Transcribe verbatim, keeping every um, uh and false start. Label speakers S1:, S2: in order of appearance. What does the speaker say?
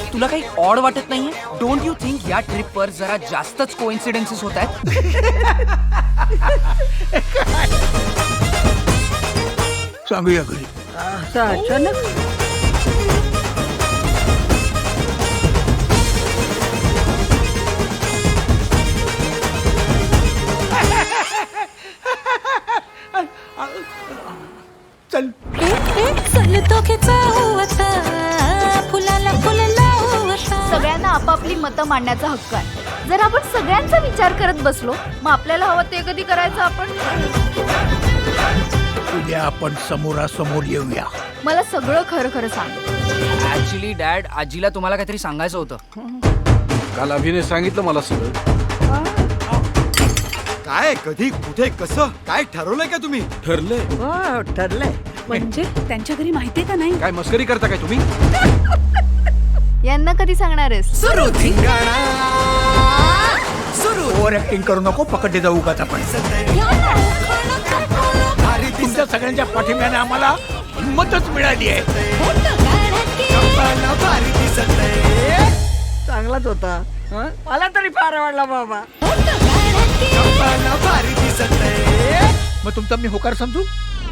S1: तुला काही ऑड वाटत नाहीये? डोंट यू थिंक या ट्रिपवर जरा जास्तच कोइन्सिडेन्सेस होत आहेत?
S2: सांगूया घरी.
S3: अचानक
S2: चल.
S4: सगळ्यांना आपापली मतं मांडण्याचा हक्क आहे. जर आपण सगळ्यांचा विचार करत बसलो मग आपल्याला हवं ते कधी करायचं आपण?
S2: उद्या आपण समोरासमोर येऊया.
S4: मला सगळं खरं खरं सांग.
S1: ऍक्च्युली डॅड, आजीला तुम्हाला काहीतरी सांगायचं होतं.
S5: काल अभिने सांगितलं मला सगळं.
S6: काय, कधी, कुठे, कसं, काय ठरवलंय का तुम्ही?
S5: ठरलंय.
S3: हो ठरलंय.
S7: म्हणजे त्यांच्या घरी माहितीये का नाही?
S5: काय मस्करी करता काय तुम्ही?
S4: यांना कधी सांगणार आहेस?
S2: ओव्हर ऍक्टिंग करू नको. पकडले जाऊ का आपण. तुमच्या सगळ्यांच्या पाठिंब्याने आम्हाला हिंमतच मिळाली आहे.
S3: चांगलाच होता. हं? मला तरी फार आवडला बाबा.
S2: मग तुमचा मी होकार समजू.